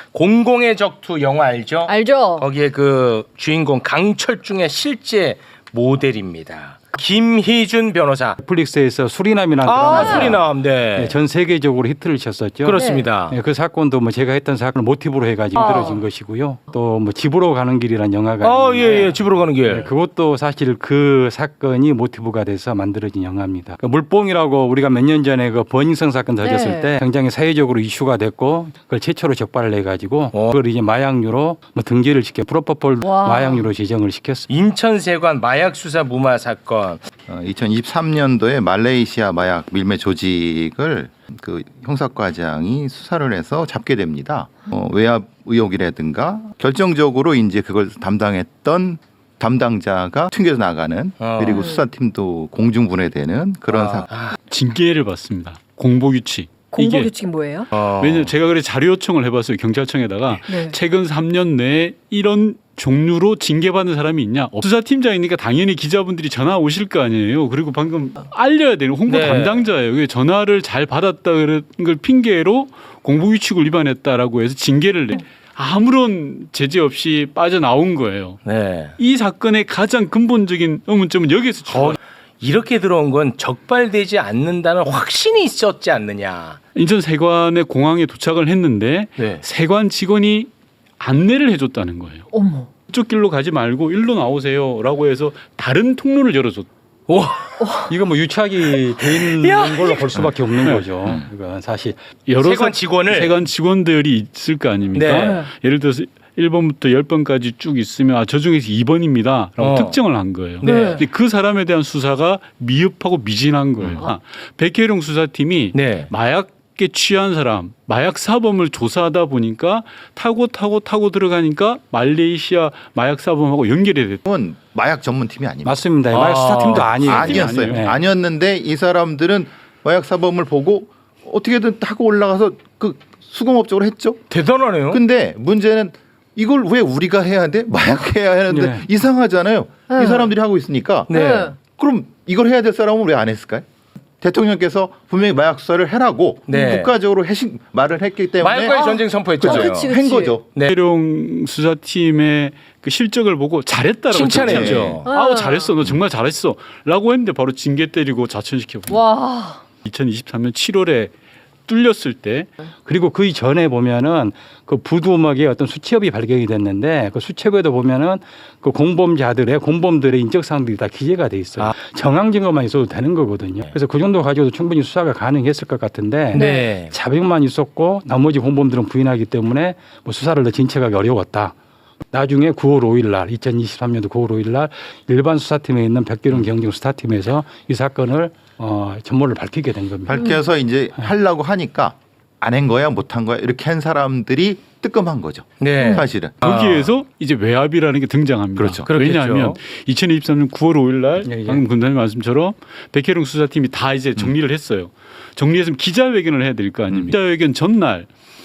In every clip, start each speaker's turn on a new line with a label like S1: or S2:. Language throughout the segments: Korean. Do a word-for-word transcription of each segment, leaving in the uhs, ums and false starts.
S1: 공공의 적투 영화 알죠?
S2: 알죠.
S1: 거기에 그 주인공 강철중의 실제 모델입니다. 김희준 변호사.
S3: 넷플릭스에서 수리남이라는
S1: 아,
S3: 드라마가
S1: 수리남. 네.
S3: 네, 전 세계적으로 히트를 쳤었죠.
S1: 그렇습니다.
S3: 네, 그 사건도 뭐 제가 했던 사건을 모티브로 해가지고
S2: 아.
S3: 만들어진 것이고요. 또 뭐 집으로 가는 길이라는 영화가
S1: 아, 예,
S3: 있는데
S1: 예. 집으로 가는 길.
S3: 네, 그것도 사실 그 사건이 모티브가 돼서 만들어진 영화입니다. 그 물뽕이라고 우리가 몇 년 전에 그 버닝썬 사건 터졌을
S2: 네.
S3: 때 굉장히 사회적으로 이슈가 됐고 그걸 최초로 적발을 해가지고
S1: 어.
S3: 그걸 이제 마약류로 뭐 등재를 시켜 프로포폴
S2: 와.
S3: 마약류로 지정을 시켰어요.
S1: 인천세관 마약 수사 무마 사건.
S4: 어, 이천이십삼 년도에 말레이시아 마약 밀매 조직을 그 형사과장이 수사를 해서 잡게 됩니다. 어, 외압 의혹이라든가 결정적으로 이제 그걸 담당했던 담당자가 튕겨져 나가는
S1: 어.
S4: 그리고 수사팀도 공중분해되는 그런
S1: 아.
S4: 사건.
S5: 징계를 받습니다. 공보규칙.
S2: 공보
S5: 이게
S2: 규칙이 뭐예요?
S1: 어.
S5: 왜냐면 제가 그래 자료 요청을 해봤어요. 경찰청에다가
S2: 네.
S5: 최근 삼 년 내에 이런 종류로 징계받는 사람이 있냐. 수사팀장이니까 당연히 기자분들이 전화 오실 거 아니에요. 그리고 방금 알려야 되는 홍보
S1: 네.
S5: 담당자예요. 그게 전화를 잘 받았다 그런 걸 핑계로 공보규칙을 위반했다라고 해서 징계를 내. 아무런 제재 없이 빠져나온 거예요.
S1: 네.
S5: 이 사건의 가장 근본적인 의문점은 여기에서
S1: 어, 이렇게 들어온 건 적발되지 않는다는 확신이 있었지 않느냐.
S5: 인천 세관의 공항에 도착을 했는데
S1: 네.
S5: 세관 직원이 안내를 해줬다는 거예요.
S2: 어머.
S5: 이쪽 길로 가지 말고 일로 나오세요라고 해서 다른 통로를 열어줬.
S1: 와.
S3: 이거 뭐 유착이 돼 있는 걸로 볼 수밖에 없는 거죠. 그러니까 사실
S5: 여러
S1: 세관
S5: 사-
S1: 직원을.
S5: 세관 직원들이 있을 거 아닙니까?
S1: 네.
S5: 예를 들어서 일 번부터 십 번까지 쭉 있으면 아, 저 중에서 이 번입니다라고
S1: 어.
S5: 특정을 한 거예요.
S1: 네.
S5: 근데 그 사람에 대한 수사가 미흡하고 미진한 거예요. 아, 백혜룡 수사팀이
S1: 네.
S5: 마약에 취한 사람, 마약 사범을 조사하다 보니까 타고 타고 타고 들어가니까 말레이시아 마약 사범하고 연결이 됐다.
S4: 은 마약 전문팀이 아닙니다.
S3: 맞습니다.
S1: 아.
S3: 마약 수사팀도 아니에요.
S4: 아니었어요.
S5: 아니에요.
S3: 네.
S4: 아니었는데 이 사람들은 마약 사범을 보고 어떻게든 타고 올라가서 그 수공업적으로 했죠.
S1: 대단하네요.
S4: 근데 문제는 이걸 왜 우리가 해야 돼? 마약 해야 하는데
S3: 네.
S4: 이상하잖아요.
S2: 네.
S4: 이 사람들이 하고 있으니까.
S1: 네.
S4: 그럼 이걸 해야 될 사람은 왜 안 했을까요? 대통령께서 분명히 마약 수사를 해라고
S1: 네.
S4: 국가적으로 해식 말을 했기 때문에
S1: 마약과의 전쟁 선포했잖아요.
S2: 아, 그치, 그치.
S4: 한 거죠.
S1: 네.
S5: 백혜룡 수사팀의 그 실적을 보고 잘했다라고
S1: 칭찬했죠.
S5: 칭찬해요.
S2: 아.
S5: 아우 잘했어, 너 정말 잘했어라고 했는데 바로 징계 때리고 자천시켜.
S2: 와.
S5: 이천이십삼 년 칠월에 뚫렸을 때
S3: 그리고 그 전에 보면은 그 부두 음악의 어떤 수첩이 발견이 됐는데 그 수첩에도 보면은 그 공범자들의 공범들의 인적 사항들이 다 기재가 돼 있어요.
S1: 아.
S3: 정황 증거만 있어도 되는 거거든요. 그래서 그 정도 가지고도 충분히 수사가 가능했을 것 같은데
S1: 네.
S3: 자백만 있었고 나머지 공범들은 부인하기 때문에 뭐 수사를 더 진척하기 어려웠다. 나중에 구월 오일 날 이천이십삼 년도 구월 오일 날 일반 수사팀에 있는 백계룡 경정 수사팀에서 이 사건을 어, 전모를 밝히게 된 겁니다.
S4: 밝혀서 이제 하려고 하니까 안 한 거야 못 한 거야 이렇게 한 사람들이 뜨끔한 거죠.
S1: 네.
S4: 사실은.
S5: 거기에서 이제 외압이라는 게 등장합니다.
S4: 그렇죠.
S1: 그렇겠죠.
S5: 왜냐하면 이천이십삼 년 구월 오일 날
S3: 예, 예.
S5: 방금 군단님 말씀처럼 백혜룡 수사팀이 다 이제 정리를 했어요. 정리해서 기자회견을 해야 될 거 아닙니까? 기자회견 전날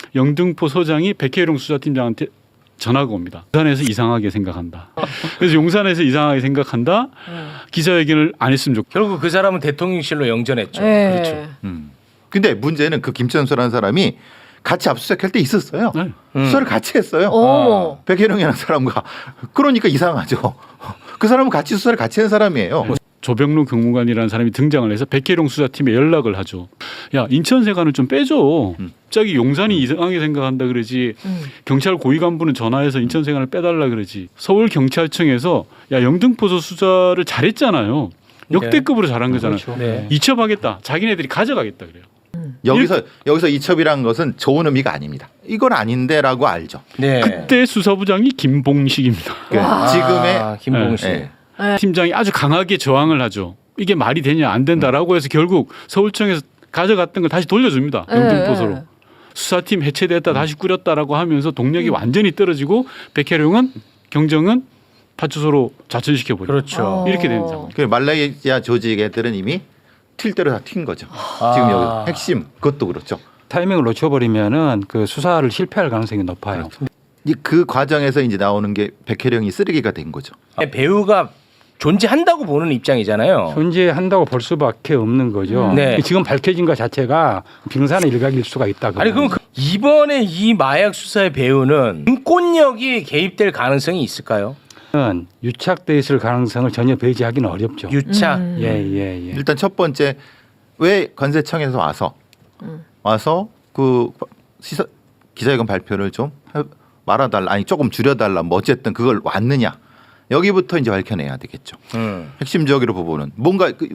S5: 영등포 서장이 백혜룡 수사팀장한테 전화가 옵니다. 용산에서 이상하게 생각한다. 그래서 용산에서 이상하게 생각한다. 기자회견을 안 했으면 좋겠다.
S1: 결국 그 사람은 대통령실로 영전했죠.
S2: 네.
S1: 그렇죠.
S4: 음. 근데 문제는 그 김천수라는 사람이 같이 압수수색할 때 있었어요.
S5: 네.
S1: 음.
S4: 수사를 같이 했어요.
S2: 어머.
S4: 백혜룡이라는 사람과. 그러니까 이상하죠. 그 사람은 같이 수사를 같이 한 사람이에요.
S5: 조병루 경무관이라는 사람이 등장을 해서 백혜룡 수사팀에 연락을 하죠. 야 인천세관을 좀 빼줘.
S4: 음.
S5: 갑자기 용산이 이상하게 생각한다 그러지.
S2: 음.
S5: 경찰 고위 간부는 전화해서 인천세관을 빼달라 그러지. 서울 경찰청에서 야 영등포서 수사를 잘했잖아요. 역대급으로 잘한 거잖아요.
S3: 그렇죠.
S1: 네.
S5: 이첩하겠다. 자기네들이 가져가겠다 그래요.
S4: 여기서 여기서 이첩이란 것은 좋은 의미가 아닙니다. 이건 아닌데라고 알죠.
S1: 네.
S5: 그때 수사부장이 김봉식입니다.
S4: 그
S1: 아,
S4: 지금의
S1: 김봉식.
S4: 네.
S2: 네.
S5: 팀장이 아주 강하게 저항을 하죠. 이게 말이 되냐 안 된다라고 해서 결국 서울청에서 가져갔던 걸 다시 돌려줍니다.
S2: 네.
S5: 영등포소로. 수사팀 해체됐다 다시 꾸렸다라고 하면서 동력이 완전히 떨어지고 백혜룡은 경정은 파출소로 자천시켜 버려요.
S1: 그렇죠.
S2: 어.
S5: 이렇게 된 상황.
S4: 그 말레이시아 조직 애들은 이미 튈 대로 다 튄 거죠.
S1: 아.
S4: 지금 여기 핵심 그것도 그렇죠.
S3: 타이밍을 놓쳐버리면은 그 수사를 실패할 가능성이 높아요.
S4: 이 그 과정에서 이제 나오는 게 백혜령이 쓰레기가 된 거죠.
S1: 배우가 존재한다고 보는 입장이잖아요.
S3: 존재한다고 볼 수밖에 없는 거죠.
S1: 음. 네.
S3: 지금 밝혀진 것 자체가 빙산의 일각일 수가 있다.
S1: 아니 그럼 그 이번에 이 마약 수사의 배후는 인권력이 개입될 가능성이 있을까요?
S3: 는 유착돼 있을 가능성을 전혀 배제하기는 어렵죠.
S1: 유착.
S2: 음.
S3: 예, 예, 예.
S4: 일단 첫 번째 왜 관세청에서 와서
S2: 음.
S4: 와서 그 시사, 기자회견 발표를 좀 해- 말아달라 아니 조금 줄여달라 뭐 어쨌든 그걸 왔느냐 여기부터 이제 밝혀내야 되겠죠.
S1: 음.
S4: 핵심적으로 부분은 뭔가 그,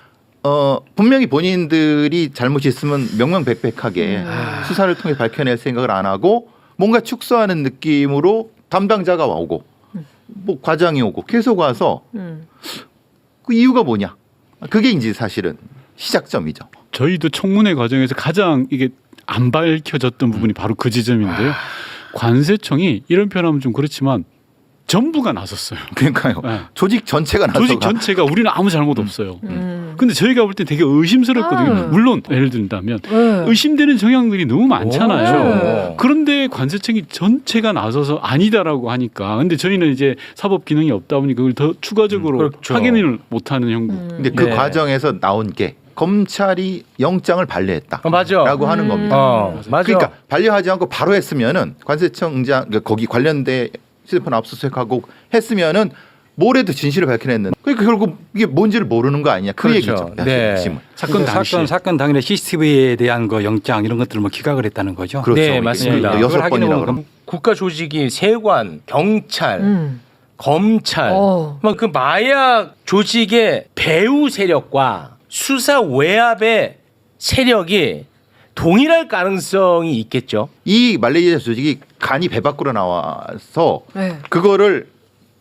S4: 어 분명히 본인들이 잘못이 있으면 명명백백하게 수사를 통해 밝혀낼 생각을 안 하고 뭔가 축소하는 느낌으로 담당자가 오고 뭐 과장이 오고 계속 와서
S2: 음.
S4: 그 이유가 뭐냐 그게 이제 사실은 시작점이죠.
S5: 저희도 청문회 과정에서 가장 이게 안 밝혀졌던 부분이 바로 그 지점인데요. 관세청이 이런 표현하면 좀 그렇지만 전부가 나섰어요.
S4: 그러니까요.
S5: 네.
S4: 조직 전체가 나서가
S5: 조직 전체가 우리는 아무 잘못 없어요.
S2: 음.
S5: 근데 저희가 볼 때 되게 의심스럽거든요.
S2: 음.
S5: 물론 예를 든다면
S2: 네.
S5: 의심되는 정황들이 너무 많잖아요.
S1: 오.
S5: 그런데 관세청이 전체가 나서서 아니다라고 하니까 근데 저희는 이제 사법 기능이 없다 보니 그걸 더 추가적으로
S1: 음, 그렇죠.
S5: 확인을 못하는 형국.
S2: 음.
S4: 근데 그
S1: 네.
S4: 과정에서 나온 게 검찰이 영장을 발려했다.
S1: 어, 맞아.
S4: 라고 하는
S2: 음.
S4: 겁니다.
S1: 어, 맞아.
S4: 그러니까 반려하지 않고 바로 했으면은 관세청장 그러니까 거기 관련된 휴대폰 압수수색하고 했으면은 모레도 진실을 밝혀냈는. 그러니까 결국 이게 뭔지를 모르는 거 아니냐 그
S1: 그렇죠.
S4: 얘기죠.
S1: 네.
S4: 핵심은.
S5: 사건 당시
S3: 사건 사건 당일에 씨씨티비에 대한 그 영장 이런 것들을 뭐 기각을 했다는 거죠.
S4: 그렇죠.
S1: 네,
S4: 이게
S1: 맞습니다.
S4: 여섯
S3: 그걸 하기는
S4: 번이나
S3: 뭐
S4: 그럼.
S1: 국가 조직이 세관, 경찰,
S2: 음.
S1: 검찰,
S2: 어.
S1: 막 그 마약 조직의 배후 세력과 수사 외압의 세력이 동일할 가능성이 있겠죠.
S4: 이 말레이시아 조직이 간이 배 밖으로 나와서
S2: 네.
S4: 그거를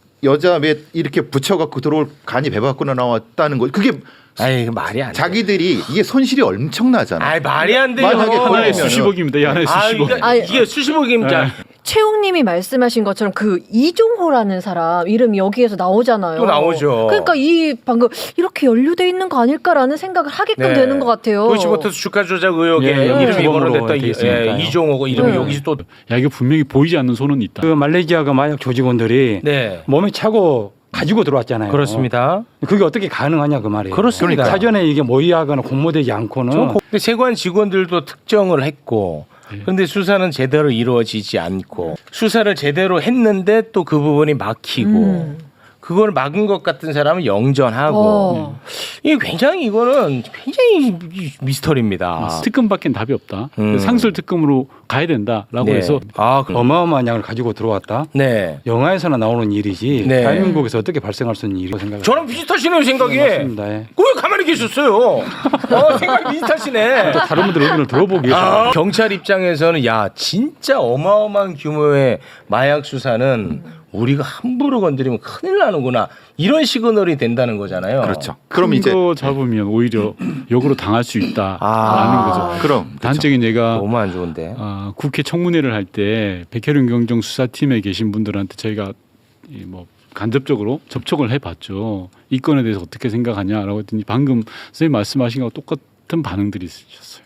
S4: 여자 몇 이렇게 붙여갖고 들어올 간이 배 밖으로 나왔다는 거. 그게
S1: 아이 그 말이 안 돼.
S4: 자기들이 이게 손실이 엄청나잖아.
S1: 아이 말이 안 돼요.
S4: 만약에
S5: 하나에
S4: 그러면은-
S5: 수십억입니다. 이 하나에
S1: 아,
S5: 수십억.
S1: 이게,
S2: 아니,
S1: 이게 수십억입니다.
S5: 네.
S2: 최웅님이 말씀하신 것처럼 그 이종호라는 사람 이름이 여기에서 나오잖아요.
S1: 또 나오죠.
S2: 그러니까 이 방금 이렇게 연루돼 있는 거 아닐까라는 생각을 하게끔
S1: 네.
S2: 되는 것 같아요.
S1: 도이치모터스 주가 조작 의혹에
S3: 예,
S1: 이름이
S3: 주범으로
S1: 거론됐다.
S3: 돼
S1: 이-
S3: 있으니까요.
S1: 예, 이종호고 이름이
S2: 네.
S1: 여기서 또
S5: 야 이거 분명히 보이지 않는 손은 있다.
S3: 그 말레이시아가 마약 조직원들이
S1: 네.
S3: 몸에 차고 가지고 들어왔잖아요.
S1: 그렇습니다.
S3: 그게 어떻게 가능하냐 그 말이에요.
S1: 그렇습니다.
S3: 사전에 이게 모의하거나 공모되지 않고는
S1: 저 고- 근데 세관 직원들도 특정을 했고 그런데 수사는 제대로 이루어지지 않고 수사를 제대로 했는데 또 그 부분이 막히고
S2: 음.
S1: 그걸 막은 것 같은 사람은 영전하고
S2: 어.
S1: 이게 굉장히 이거는 굉장히 미스터리입니다.
S5: 특검밖엔 답이 없다.
S1: 음.
S5: 상설 특검으로 가야 된다라고
S1: 네.
S5: 해서
S1: 아, 그-
S3: 어마어마한 양을 가지고 들어왔다.
S1: 네.
S3: 영화에서나 나오는 일이지
S1: 네.
S3: 대한민국에서 어떻게 발생할 수 있는 일이라고 생각합니다.
S1: 저랑 비슷하시네요 생각이.
S3: 맞습니다. 예.
S1: 왜 가만히 계셨어요? 어, 생각이 비슷하시네.
S3: 또 다른 분들 의견을 들어보기 위해서
S1: 아, 경찰 입장에서는 야 진짜 어마어마한 규모의 마약 수사는 우리가 함부로 건드리면 큰일 나는구나 이런 시그널이 된다는 거잖아요.
S4: 그렇죠. 그럼 이제
S5: 거 잡으면 오히려 역으로 당할 수 있다라는
S1: 아.
S5: 거죠.
S4: 그럼 그렇죠.
S5: 단적인 예가
S1: 너무 안 좋은데.
S5: 아, 국회 청문회를 할 때 백혜룡 경정 수사팀에 계신 분들한테 저희가 이 뭐 간접적으로 접촉을 해봤죠. 이 건에 대해서 어떻게 생각하냐라고 했더니 방금 선생님 말씀하신 거와 똑같은 반응들이 있으셨어요.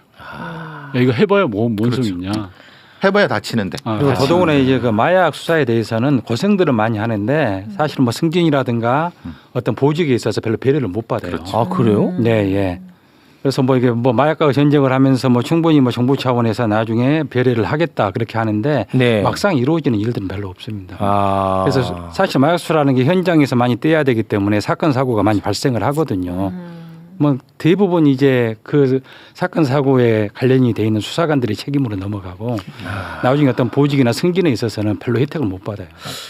S5: 야, 이거 해봐야 뭐, 뭔
S4: 그렇죠.
S5: 소용이냐.
S4: 해봐야 다치는데.
S5: 아,
S3: 그리고
S5: 다시.
S3: 더더구나 이제 그 마약 수사에 대해서는 고생들은 많이 하는데 사실 뭐 승진이라든가 어떤 보직에 있어서 별로 배려를 못 받아요.
S1: 아 그래요?
S3: 네, 예. 그래서 뭐 이게 뭐 마약과 전쟁을 하면서 뭐 충분히 뭐 정부 차원에서 나중에 배려를 하겠다 그렇게 하는데
S1: 네.
S3: 막상 이루어지는 일들은 별로 없습니다.
S1: 아.
S3: 그래서 사실 마약 수사라는 게 현장에서 많이 떼야 되기 때문에 사건 사고가 많이 발생을 하거든요. 뭐 대부분 이제 그 사건 사고에 관련이 돼 있는 수사관들이 책임으로 넘어가고 나중에 어떤 보직이나 승진에 있어서는 별로 혜택을 못 받아요.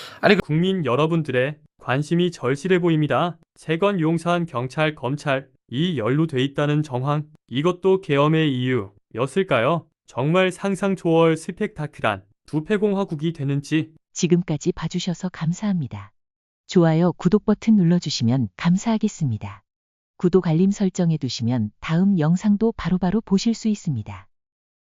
S6: 국민 여러분들의 관심이 절실해 보입니다. 세관 용산 경찰 검찰 이 연루돼 있다는 정황 이것도 계엄의 이유였을까요? 정말 상상 초월 스펙타클한 부패공화국이 되는지
S7: 지금까지 봐주셔서 감사합니다. 좋아요, 구독 버튼 눌러주시면 감사하겠습니다. 구독 알림 설정해 두시면 다음 영상도 바로바로 보실 수 있습니다.